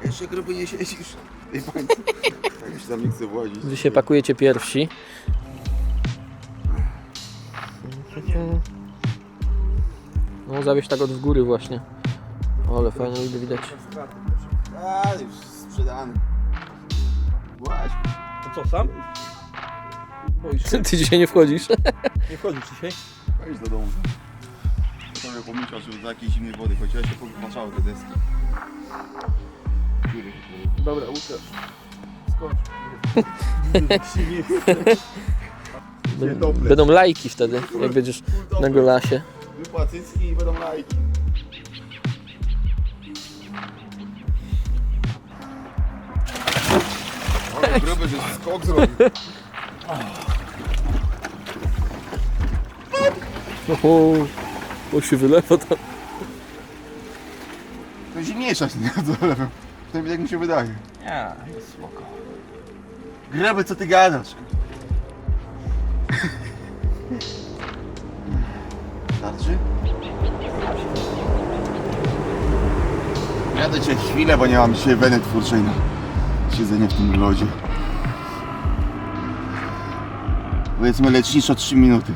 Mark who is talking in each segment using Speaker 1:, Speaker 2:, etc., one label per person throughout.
Speaker 1: Jeszcze gruby nie siedzisz. Ej, pańcu. Tak już tam nie chcę włazić.
Speaker 2: Wy się pakujecie pierwsi. No zawieź tak od góry właśnie. O, ale fajnie widać.
Speaker 1: A, już sprzedany. Właśnie.
Speaker 3: To co, sam? Boisz się?
Speaker 2: Ty dzisiaj nie wchodzisz?
Speaker 3: Nie wchodzisz dzisiaj?
Speaker 1: Wejdź do domu. Sobie pomyślał, że do jakiejś zimnej wody, chociaż się popatrzały te deski.
Speaker 3: Dobra, Łukasz. Skocz.
Speaker 2: Będą lajki wtedy, jak będziesz na golasie.
Speaker 1: Wypłacycki i będą lajki. Ale gruby, że skok zrobił.
Speaker 2: O się wylewa tam.
Speaker 1: To zimniejsza się nie dolewam. Przynajmniej jak mi się wydaje.
Speaker 3: Nie, jest spoko.
Speaker 1: Gruby, co ty gadasz? Starczy? Jadę cię chwilę, bo nie mam dzisiaj weny twórczej na siedzenie w tym lodzie. Powiedzmy leczniczo 3 minuty.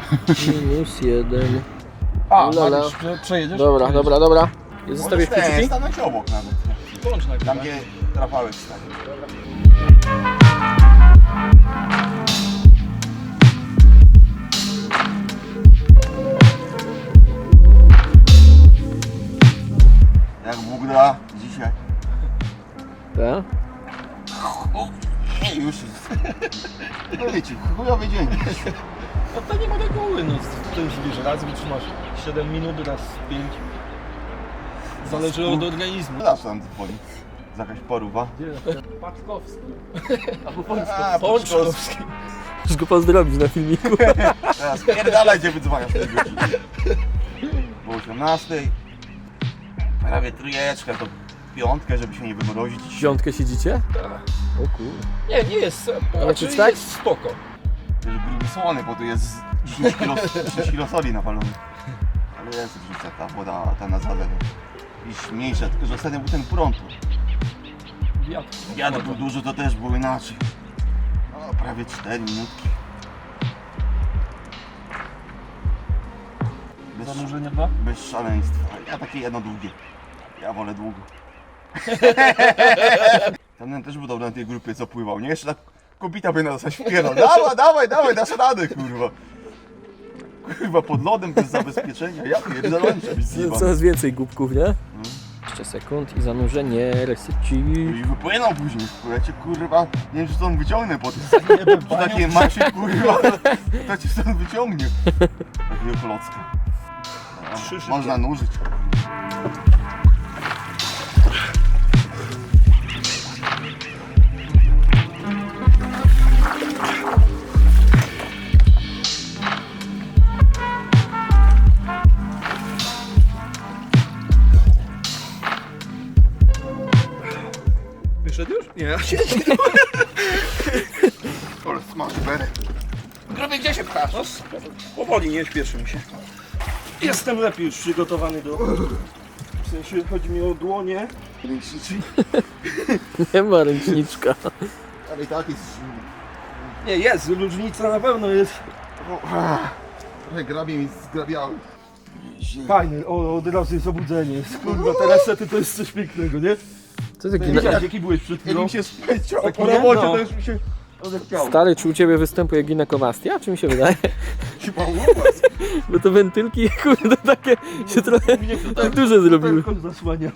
Speaker 2: -1.
Speaker 3: A,
Speaker 2: Lala.
Speaker 3: Mariusz, przejedziesz?
Speaker 2: Dobra, dobra, dobra. I zostawię
Speaker 1: Możesz
Speaker 2: kciuki?
Speaker 1: stanąć obok nawet.
Speaker 3: Włącz na
Speaker 1: Tam gdzie Rafałek stanie. Jak Bóg da dzisiaj.
Speaker 2: Tak?
Speaker 1: Ej, już jest. No wiecie, chujowy dzień.
Speaker 3: No to nie ma reguły, no to już wiesz, raz wytrzymasz 7 minut, raz 5. Zależy od organizmu.
Speaker 1: Zawsze tam dzwoni. Z jakaś poruba.
Speaker 3: Paczkowski. Albo
Speaker 1: A,
Speaker 3: Pączkowski.
Speaker 2: Możesz go pozdrowić na filmiku.
Speaker 1: Teraz pierdalaj, gdzie wydzwaniasz tej godziny. Po 18. Prawie trójeczkę, to piątkę, żeby się nie wymrozić.
Speaker 2: W piątkę siedzicie? O kur...
Speaker 3: Nie jest,
Speaker 2: Znaczy tak?
Speaker 3: jest spoko.
Speaker 1: Wiesz, gruby słony, bo tu jest 10 kilo soli napalony. Ale jest różnica, ta woda, ta na zalewie. Iż mniejsza, tylko że ostatnio był ten prąd.
Speaker 3: Wiatr.
Speaker 1: Wiatr był duży, to też było inaczej. No, prawie 4 minutki.
Speaker 3: Zanurzenie 2?
Speaker 1: Bez szaleństwa. Ja takie jedno długie. Ja wolę długo. Ten też był dobry na tej grupie, co pływał, nie? Jeszcze tak kobita by nas zaśpiewał. Dawaj, dasz radę, kurwa. Kurwa, pod lodem bez zabezpieczenia. Ja pierdolę, żebyś zjebał.
Speaker 2: Coraz więcej głupków, nie? Jeszcze sekund i zanurzenie, reseci.
Speaker 1: I wypłynął później, kurwa, cię, kurwa, nie wiem, czy stąd wyciągnę po tym. Przy takiej masie, kurwa, to cię stąd wyciągnie. Takiego klocka. No, można nurzyć.
Speaker 3: Wyszedł już? Nie, ja się
Speaker 1: Ale smaży berek.
Speaker 3: Grobie, gdzie się pchasz? No, powoli, nie śpieszy mi się. Jestem lepiej już przygotowany do... W sensie chodzi mi o dłonie.
Speaker 1: Ręczniczy.
Speaker 2: Nie ma ręczniczka.
Speaker 1: Ale i tak jest...
Speaker 3: Nie, jest, różnica na pewno jest.
Speaker 1: Trochę grabie mi zgrabiały.
Speaker 3: Fajny, od razu jest obudzenie. Kurwa, te resety to jest coś pięknego, nie?
Speaker 2: Co taki
Speaker 3: Widziałeś, jaki byłeś przed
Speaker 1: Jak
Speaker 3: chwilą?
Speaker 1: mi się spędziło
Speaker 3: Taki
Speaker 1: po
Speaker 3: nie?
Speaker 1: robocie,
Speaker 3: No.
Speaker 1: to już mi się odechciało.
Speaker 2: stary, czy u ciebie występuje ginekomastia? Czy mi się wydaje?
Speaker 1: Chyba u was.
Speaker 2: Bo to wentylki, kurde, takie się trochę tak duże zrobiły.
Speaker 3: Tylko zasłania.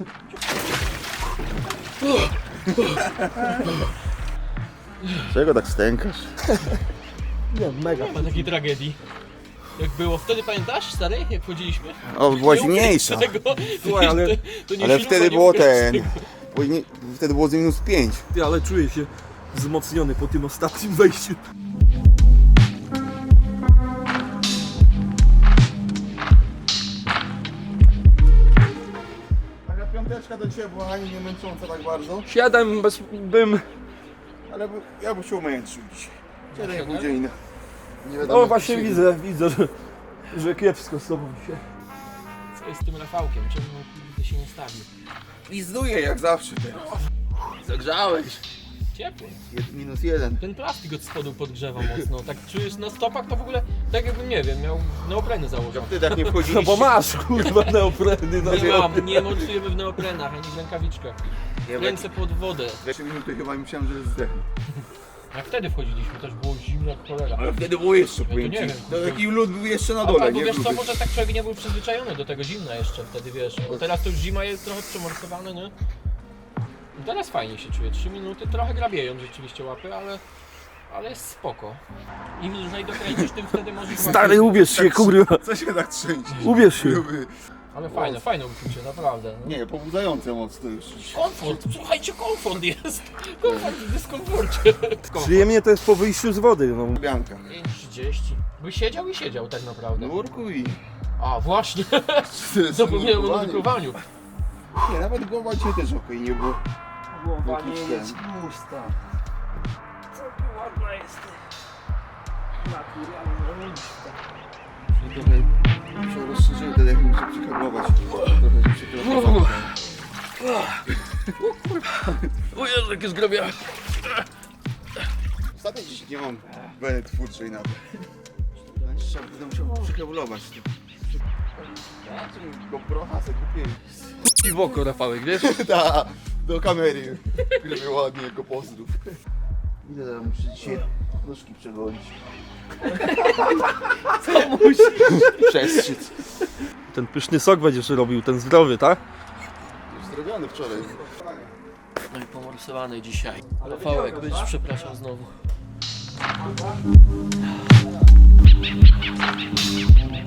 Speaker 1: Czego tak stękasz?
Speaker 3: Nie, mega.
Speaker 4: Nie ma takiej tragedii. Jak było wtedy, pamiętasz, stary, jak wchodziliśmy?
Speaker 1: O, była zimniejsza.
Speaker 4: Tego,
Speaker 3: Słuchaj, ale-
Speaker 4: to nie
Speaker 1: Ale
Speaker 4: śruba,
Speaker 1: wtedy
Speaker 4: nie
Speaker 1: było
Speaker 4: łukasz
Speaker 1: ten...
Speaker 4: tego.
Speaker 1: Wtedy było z -5.
Speaker 3: Ty, ale czuję się wzmocniony po tym ostatnim wejściu.
Speaker 1: Taka piąteczka do ciebie była ani nie męcząca tak bardzo.
Speaker 3: 7 bym...
Speaker 1: Ale ja bym się umęczył dzisiaj. 7,5 godziny. Nie wiadomo,
Speaker 3: No
Speaker 1: jak
Speaker 3: właśnie
Speaker 1: dzisiaj-
Speaker 3: widzę, że kiepsko z tobą dzisiaj.
Speaker 4: jest z tym Rafałkiem? Czemu kurde się nie stawi?
Speaker 1: Lizduje jak zawsze teraz.
Speaker 2: Zagrzałeś.
Speaker 4: Ciepło.
Speaker 1: -1.
Speaker 4: Ten plastik od spodu podgrzewa mocno. Tak czujesz na stopach to w ogóle tak jakbym, nie wiem, miał neopreny założone.
Speaker 1: Wtedy jak nie wchodziliście.
Speaker 3: No bo masz kurwa neopreny na
Speaker 4: Nie mam, nie montujemy w neoprenach, ani w rękawiczkach. Ręce pod wodę.
Speaker 1: 2 minuty chyba myślałem, że zdechnę.
Speaker 4: Jak wtedy wchodziliśmy, też było zimno jak cholera.
Speaker 1: Ale wtedy było jeszcze,
Speaker 4: to
Speaker 1: powiem
Speaker 4: nie
Speaker 1: ci.
Speaker 4: wiem,
Speaker 1: To
Speaker 4: kurde.
Speaker 1: taki lód był jeszcze na
Speaker 4: Albo
Speaker 1: dole, nie?
Speaker 4: wiesz co,
Speaker 1: Gruby.
Speaker 4: może tak człowiek nie był przyzwyczajony do tego zimna jeszcze wtedy, wiesz. Bo teraz to już zima jest trochę przemorsowane, nie? I teraz fajnie się czuje, 3 minuty, trochę grabieją rzeczywiście łapy, ale jest spoko. Im dłużej dokręcisz, tym wtedy możesz
Speaker 3: Stary,
Speaker 4: łapie-
Speaker 3: ubierz się kurwa.
Speaker 1: Co się tak trzęsie?
Speaker 3: Ubierz się.
Speaker 1: Gruby.
Speaker 4: Ale fajne uczucie, naprawdę. No.
Speaker 1: Nie, pobudzające mocno już.
Speaker 4: Komfort, słuchajcie, komfort jest. Komfort w dyskomforcie.
Speaker 3: Przyjemnie to jest po wyjściu z wody. No.
Speaker 1: Bianka.
Speaker 4: 5:30. By siedział i siedział tak naprawdę.
Speaker 1: Nurkuj.
Speaker 4: A właśnie, zapomniałem o nurkowaniu.
Speaker 1: Nie, nawet głowa dzisiaj też okej nie było.
Speaker 4: Głowa
Speaker 1: nie jest
Speaker 4: pusta. Co ty ładna jesteś. Naturalna.
Speaker 1: Trochę się rozszerzyły, wtedy jak muszę przykablować. Trochę się przykablować.
Speaker 4: O Jezu, jakie zgrabiałem.
Speaker 1: Ostatnio dziś nie mam weny twórczej nawet. Będę musiał przykablować. Ja tu GoPro'a sobie kupiłem.
Speaker 2: I w oko, Rafałek, wiesz?
Speaker 1: Da, do kamery. Gryby ładnie jako pozdrów. Ile teraz muszę dzisiaj nóżki przegolić?
Speaker 2: Co musisz?
Speaker 1: Przestrzyc.
Speaker 3: Ten pyszny sok będziesz robił, ten zdrowy, tak?
Speaker 1: Już zrobiony wczoraj.
Speaker 4: No i pomorsowany dzisiaj. Rafałek, będziesz przepraszam znowu.